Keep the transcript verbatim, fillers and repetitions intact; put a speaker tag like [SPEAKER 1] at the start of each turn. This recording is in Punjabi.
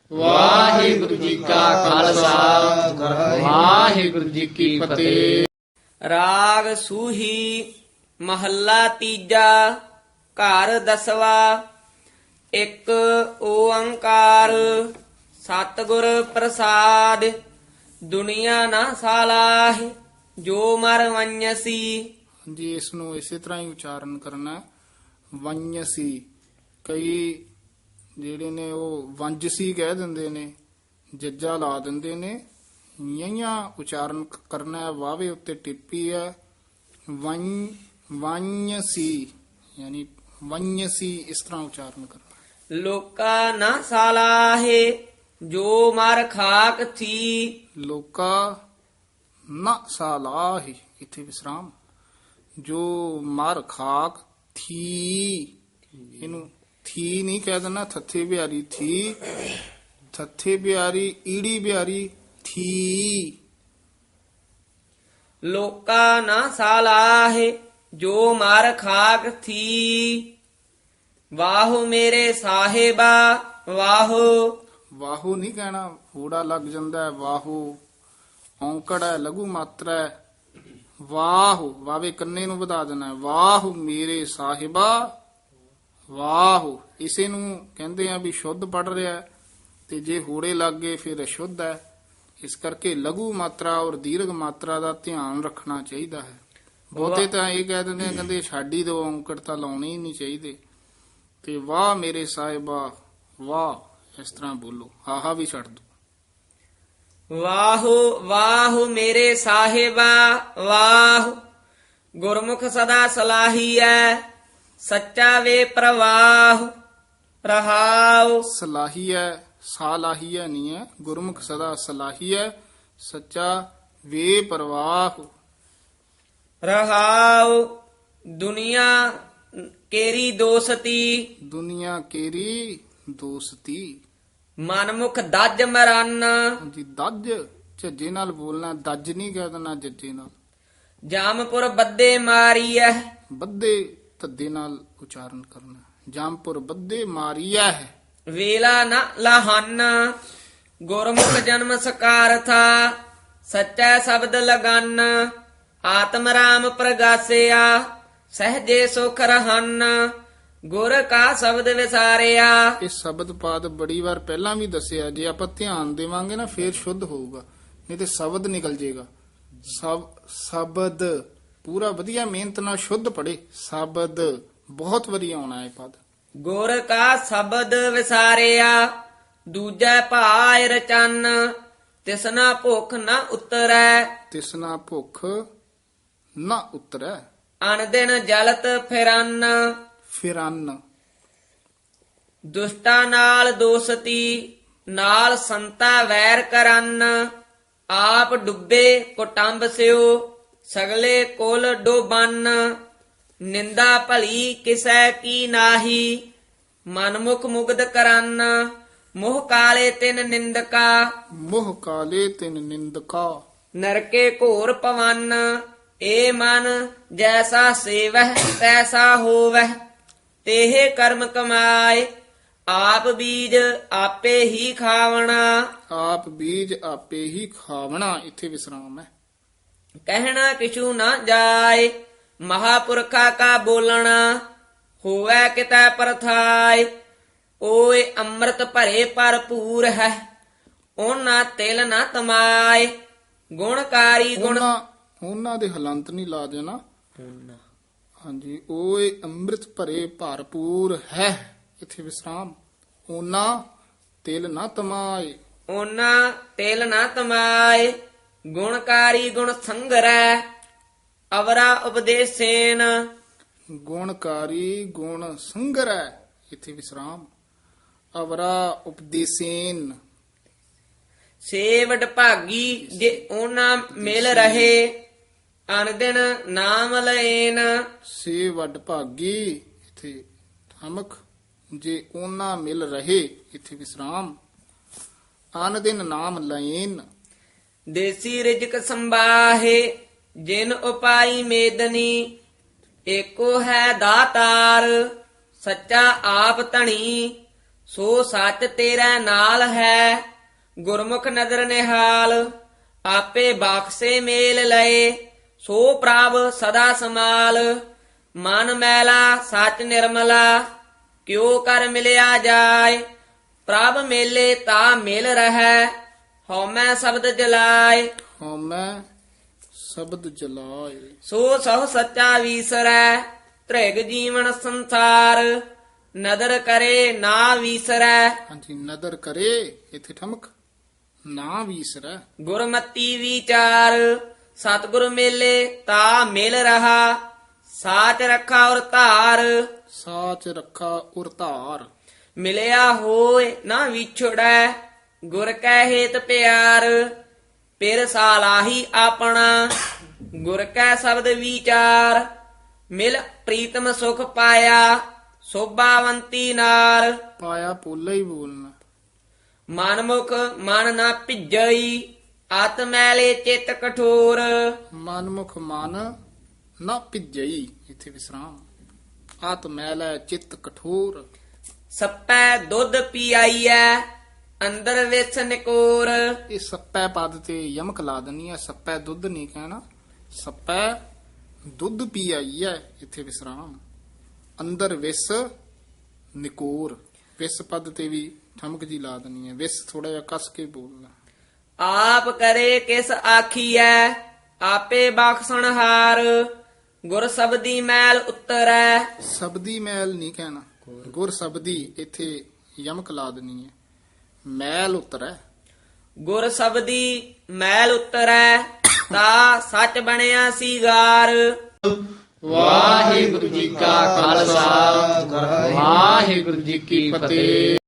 [SPEAKER 1] ਵਾਹਿਗੁਰੂ ਜੀ ਕਾ ਖਾਲਸਾ ਵਾਹਿਗੁਰੂ ਜੀ ਕੀ ਫਤਿਹ।
[SPEAKER 2] ਰਾਗ ਸੂਹੀ ਮਹੱਲਾ ਤੀਜਾ ਘਰ ਦਸਵਾ। ਇੱਕ ਓੰਕਾਰ ਸਤਿਗੁਰ ਪ੍ਰਸਾਦ। ਦੁਨੀਆ ਨਾ ਸਾਲਾਹਿ ਜੋ ਮਰ ਵੰਯਸੀ।
[SPEAKER 3] ਜੀ ਇਸ ਨੂੰ ਇਸੇ ਤਰ੍ਹਾਂ ਹੀ ਉਚਾਰਨ ਕਰਨਾ ਹੈ, ਵੰਯਸੀ। ਕਈ ਜਿਹੜੇ ਨੇ ਉਹ ਵੰਜਸੀ ਕਹਿ ਦਿੰਦੇ ਨੇ, ਜੱਜਾ ਲਾ ਦਿੰਦੇ ਨੇ। ਯਈਆਂ ਉਚਾਰਨ ਕ- ਕਰਨਾ ਹੈ, ਵਾਵੇ ਉੱਤੇ ਟਿੱਪੀ ਹੈ। ਵੰ ਵੰਯਸੀ ਯਾਨੀ ਵੰਯਸੀ ਇਸ ਤਰ੍ਹਾਂ ਉਚਾਰਨ ਕਰਨਾ।
[SPEAKER 2] ਲੋਕਾ ਨਾ ਸਾਲਾਹੇ ਜੋ ਮਰ ਖਾਕ ਥੀ।
[SPEAKER 3] ਲੋਕਾ ਨਾ ਸਾਲਾਹਿ ਇੱਥੇ ਵਿਸਰਾਮ। ਜੋ ਮਰ ਖਾਕ ਥੀ, ਇਹਨੂੰ ਥੀ ਨਹੀਂ ਕਹਿ ਦੇਣਾ, ਥੱਥੇ ਬਿਹਾਰੀ ਥੀ, ਥੱਥੇ ਬਿਹਾਰੀ ਈੜੀ ਬਿਹਾਰੀ ਥੀ।
[SPEAKER 2] ਲੋਕਾ ਨਾ ਸਾਲਾਹੇ ਜੋ ਮਰ ਖਾਕ ਥੀ। ਵਾਹੋ ਮੇਰੇ ਸਾਹਿਬਾ ਵਾਹੋ।
[SPEAKER 3] ਵਾਹੂ ਨਹੀਂ ਕਹਿਣਾ, ਹੂੜਾ ਲੱਗ ਜਾਂਦਾ ਹੈ। ਵਾਹੂ ਔਂਕੜ ਹੈ, ਲਘੂ ਮਾਤਰਾ ਹੈ। ਵਾਹੂ ਵਾਵੇ ਕੰਨੇ ਨੂੰ ਵਧਾ ਦੇਣਾ ਹੈ। ਵਾਹੂ ਮੇਰੇ ਸਾਹਿਬਾ ਵਾਹੂ। ਇਸੇ ਨੂੰ ਕਹਿੰਦੇ ਆ ਵੀ ਸ਼ੁੱਧ ਪੜ ਰਿਹਾ ਹੈ, ਤੇ ਜੇ ਹੂੜੇ ਲੱਗ ਗਏ ਫਿਰ ਅਸ਼ੁੱਧ ਹੈ। ਇਸ ਕਰਕੇ ਲਘੂ ਮਾਤਰਾ ਔਰ ਦੀਰਘ ਮਾਤਰਾ ਦਾ ਧਿਆਨ ਰੱਖਣਾ ਚਾਹੀਦਾ ਹੈ। ਬਹੁਤੇ ਤਾਂ ਇਹ ਕਹਿ ਦਿੰਦੇ ਆ, ਕਹਿੰਦੇ ਛਾਡੀ ਦੋ ਔਂਕੜ ਤਾਂ ਲਾਉਣੇ ਹੀ ਨਹੀਂ ਚਾਹੀਦੇ। ਤੇ ਵਾਹ ਮੇਰੇ ਸਾਹਿਬਾ ਵਾਹ ਇਸ ਤਰ੍ਹਾਂ ਬੋਲੋ, ਹਾਹਾ ਵੀ ਛੱਡ ਦੋ।
[SPEAKER 2] ਵਾਹੋ ਵਾਹੋ ਮੇਰੇ ਸਾਹਿਬਾ ਵਾਹ। ਗੁਰਮੁਖ ਸਦਾ ਸਲਾਹੀਐ ਸੱਚਾ ਵੇ ਪ੍ਰਵਾਹ। ਰਹਾਉ
[SPEAKER 3] ਸਲਾਹੀ ਹੈ, ਸਾਲਾਹੀ ਹੈ ਨਹੀਂ ਹੈ। ਗੁਰਮੁਖ ਸਦਾ ਸਲਾਹੀ ਹੈ ਸੱਚਾ ਵੇ ਪ੍ਰਵਾਹ।
[SPEAKER 2] ਰਹਾਉ ਦੁਨੀਆ ਕੇਰੀ ਦੋਸਤੀ।
[SPEAKER 3] ਦੁਨੀਆ ਕੇਰੀ ਦੋਸਤੀ।
[SPEAKER 2] ਮਨਮੁਖ ਦੱਜ ਮਰਨ।
[SPEAKER 3] ਜੀ ਦੱਜ ਝੱਜੇ ਨਾਲ ਬੋਲਣਾ, ਦੱਜ ਨਹੀਂ ਕਹਿ ਦੇਣਾ ਜੱਜੇ ਨਾਲ।
[SPEAKER 2] ਜਾਮਪੁਰ ਬੱਦੇ ਮਾਰੀਐ।
[SPEAKER 3] ਬੱਦੇ ਧੱਦੇ ਨਾਲ ਉਚਾਰਨ ਕਰਨਾ। ਜਾਮਪੁਰ ਬੱਦੇ ਮਾਰੀਆ ਹੈ।
[SPEAKER 2] ਵੇਲਾ ਨ ਲਹਨ ਗੁਰਮੁਖ ਜਨਮ ਸਕਾਰਥਾ। ਸੱਚਾ ਸ਼ਬਦ ਲਗਨ ਆਤਮ ਰਾਮ ਪ੍ਰਗਾਸਿਆ। ਸਹਜੇ ਸੁਖ ਰਹਨ ਗੁਰ ਕਾ ਸ਼ਬਦ ਵਿਸਾਰਿਆ।
[SPEAKER 3] ਇਹ ਸ਼ਬਦ ਪਾਦ ਬੜੀ ਵਾਰ ਪਹਿਲਾਂ ਵੀ ਦੱਸਿਆ, ਜੇ ਆਪਾਂ ਧਿਆਨ ਦੇਵਾਂਗੇ ਨਾ ਫੇਰ ਸ਼ੁੱਧ ਹੋਊਗਾ, ਨਹੀਂ ਤੇ ਸ਼ਬਦ ਨਿਕਲ ਜੇਗਾ। ਸਬ ਸ਼ਬਦ ਪੂਰਾ ਵਧੀਆ ਮਿਹਨਤ ਨਾਲ ਸ਼ੁੱਧ ਪੜੇ। ਸ਼ਬਦ ਬਹੁਤ ਵਧੀਆ ਆਉਣਾ ਹੈ ਪਦ।
[SPEAKER 2] ਗੁਰ ਕਾ ਸ਼ਬਦ ਵਿਸਾਰਿਆ ਦੂਜੈ ਭਾਇ ਰਚਨ। ਤਿਸਨਾ ਭੁਖ ਨ ਉਤਰੈ
[SPEAKER 3] ਤਿਸਨਾ ਭੁੱਖ ਨਾ ਉਤਰੈ।
[SPEAKER 2] ਅਨਦਿਨ ਜਲਤ ਫਿਰਨ।
[SPEAKER 3] ਫਿਰਨ
[SPEAKER 2] ਦੁਸ਼ਟਾਂ ਨਾਲ ਦੋਸਤੀ ਨਾਲ ਸੰਤਾ ਵੈਰ ਕਰਨ। ਆਪ ਡੁੱਬੇ ਕੁਟੰਬ ਸਿਓ ਸਗਲੇ ਕੁਲ ਡੋਬਨ। ਨਿੰਦਾ ਭਲੀ ਕਿਸੈ ਕੀ ਨਾਹੀ ਮਨਮੁਖ ਮੁਗਧ ਕਰਨ। ਮੋਹ ਕਾਲੇ ਤਿਨ ਨਿੰਦਕਾ
[SPEAKER 3] ਮੋਹ ਕਾਲੇ ਤਿਨ ਨਿੰਦਕਾ।
[SPEAKER 2] ਨਰਕੇ ਘੋਰ ਪਵਨ। ਏ ਮਨ ਜੈਸਾ ਸੇਵਹਿ ਤੈਸਾ ਹੋਵਹਿ ਤੇਹ ਕਰਮ ਕਮਾਏ। ਆਪ ਬੀਜ ਆਪੇ ਹੀ ਖਾਵਣਾ।
[SPEAKER 3] ਆਪ ਬੀਜ ਆਪੇ ਹੀ ਖਾਵਣਾ ਇੱਥੇ ਵਿਸਰਾਮ ਹੈ।
[SPEAKER 2] ਕਹਿਣਾ ਕਿਛੂ ਨਾ ਜਾਏ ਮਹਾਪੁਰਖਾ ਕਾ ਬੋਲਣਾ। ਹੋਵੇ ਕਿਤੈ ਪਰਥਾਇ ਓਏ ਅੰਮ੍ਰਿਤ ਭਰੇ ਭਰਪੂਰ ਹੈ। ਉਹਨਾਂ ਤਿਲ ਨਾ ਤਮਾਏ ਗੁਣਕਾਰੀ ਗੁਣ।
[SPEAKER 3] ਉਹਨਾਂ ਉਹਨਾਂ ਦੇ ਹਲੰਤ ਨਹੀਂ ਲਾ ਦੇਣਾ। ਹਾਂਜੀ, ਓਏ ਅੰਮ੍ਰਿਤ ਭਰੇ ਭਰਪੂਰ ਹੈ ਇੱਥੇ ਵਿਸਰਾਮ। ਉਹਨਾਂ ਤਿਲ ਨਾ ਤਮਾਏ।
[SPEAKER 2] ਉਹਨਾਂ ਤਿਲ ਨਾ ਤਮਾਏ ਗੁਣਕਾਰੀ ਗੁਣ ਸੰਗਰੈ। ਅਵਰਾ ਉਪਦੇਸੇਨ
[SPEAKER 3] ਗੁਣਕਾਰੀ ਗੁਣ ਸੰਗਰੈ ਇੱਥੇ ਵਿਸਰਾਮ। ਅਵਰਾ ਉਪਦੇਸੇਨ।
[SPEAKER 2] ਸੇਵਡ ਭਾਗੀ ਜੇ ਉਹਨਾਂ ਮਿਲ ਰਹੇ ਅਨਦਿਨ ਨਾਮ ਲੈਨ।
[SPEAKER 3] ਸੇ ਵੱਡ ਭਾਗੀ ਇੱਥੇ ਠਮਕ। ਜੇ ਉਹਨਾਂ ਮਿਲ ਰਹੇ ਇੱਥੇ ਵਿਸਰਾਮ। ਆਨ ਦਿਨ ਨਾਮ ਲੈਨ।
[SPEAKER 2] ਦੇਸੀ ਰਿਜਕ ਸੰਬਾਹੇ ਜਿਨ ਉਪਾਈ ਮੇਦਨੀ। ਏਕੋ ਹੈ ਦਾਤਾਰ ਸੱਚਾ ਆਪ ਧਣੀ ਸੋ ਸੱਚ ਤੇਰੇ ਨਾਲ ਹੈ ਗੁਰਮੁਖ ਨਦਰ ਨਿਹਾਲ ਆਪੇ ਬਾਖਸੇ ਮੇਲ ਲਏ ਸੋ ਪ੍ਰਭ ਸਦਾ ਸਮਾਲ ਮਨ ਮੈਲਾ ਸੱਚ ਨਿਰਮਲਾ ਕਿਉ ਕਰ ਮਿਲਿਆ ਜਾਏ ਪ੍ਰਭ ਮੇਲੇ ਤਾ ਮਿਲ ਰਹੈ ਹਉਮੈ ਸ਼ਬਦ ਜਲਾਏ
[SPEAKER 3] ਹਉਮੈ ਸ਼ਬਦ ਜਲਾਏ
[SPEAKER 2] ਸੋ ਸਹੁ ਸੱਚਾ ਵੀਸਰੈ ਤ੍ਰਿਗ ਜੀਵਨ ਸੰਸਾਰ ਨਦਰ ਕਰੇ ਨਾ ਵੀਸਰੈ
[SPEAKER 3] ਹਾਂਜੀ ਨਦਰ ਕਰੇ ਇੱਥੇ ਠਮਕ ਨਾ ਵੀਸਰੈ
[SPEAKER 2] ਗੁਰਮਤੀ ਵਿਚਾਰ ਸਤਿਗੁਰ ਮੇਲੇ ਤਾ ਮਿਲ ਰਹਾ ਸਾਚ ਰੱਖਾ ਔਰ ਧਾਰ
[SPEAKER 3] ਸਾਚ ਰੱਖਾ ਉਰ ਧਾਰ
[SPEAKER 2] ਮਿਲਿਆ ਹੋਏ ਨਾ ਵਿਛੜੈ ਗੁਰ ਕੈ ਹੇਤ ਪਿਆਰ ਪਿਰ ਸਾਲਾਹੀ ਆਪਣਾ ਗੁਰ ਕੈ ਸ਼ਬਦ ਵਿਚਾਰ ਮਿਲ ਪ੍ਰੀਤਮ ਸੁਖ ਪਾਇਆ ਸੋਭਾਵੰਤੀ ਨਾਰ
[SPEAKER 3] ਪਾਇਆ ਪੋਲਾ ਹੀ ਬੋਲਣਾ
[SPEAKER 2] ਮਨਮੁਖ ਮਨ ਨਾ ਭਿਜਈ ਆਤ ਮੈਲੇ ਚਿਤ ਕਠੋਰ
[SPEAKER 3] ਮਨਮੁਖ ਮਨ ਨਾ ਭਿਜਈ ਇੱਥੇ ਵਿਸਰਾਮ ਆਤ ਮੈਲ ਚਿੱਤ ਕਠੋਰ
[SPEAKER 2] ਸੱਪੈ ਦੁੱਧ ਪੀਆਈਐ ਅੰਦਰ ਵਿੱਚ ਨਿਕੋਰ
[SPEAKER 3] ਇਹ ਸੱਪੈ ਪਦ ਤੇ ਯਮਕ ਲਾ ਦਨੀ ਹੈ ਸੱਪੈ ਦੁੱਧ ਨਹੀਂ ਕਹਿਣਾ ਸੱਪੈ ਦੁੱਧ ਪੀ ਆਈ ਹੈ ਇੱਥੇ ਵਿਸਰਾਮ ਅੰਦਰ ਵਿਸ ਨਿਕੋਰ ਵਿਸ ਪਦ ਤੇ ਵੀ ਠਮਕ ਜੀ ਲਾ ਦਨੀ ਹੈ ਵਿਸ ਥੋੜਾ ਜਿਹਾ ਕੱਸ ਕੇ ਬੋਲਣਾ
[SPEAKER 2] ਆਪ ਕਰੇ ਕਿਸ ਆਖੀਐ ਆਪੇ ਬਖਸ਼ਣਹਾਰ ਗੁਰ ਸਬਦੀ ਮੈਲ ਉਤਰੈ
[SPEAKER 3] ਸਬਦੀ ਮੈਲ ਨਹੀਂ ਕਹਿਣਾ ਗੁਰ ਸਬਦੀ ਇੱਥੇ ਯਮਕ ਲਾ ਦਨੀ ਹੈ ਮੈਲ ਉਤਰੈ
[SPEAKER 2] ਗੁਰ ਸਬਦੀ ਮੈਲ ਉਤਰੈ ਤਾ ਸੱਚ ਬਣਿਆ ਸੀਗਾਰ
[SPEAKER 1] ਵਾਹਿਗੁਰੂ ਜੀ ਕਾ ਖਾਲਸਾ ਵਾਹਿਗੁਰੂ ਜੀ ਕੀ ਫਤਿਹ।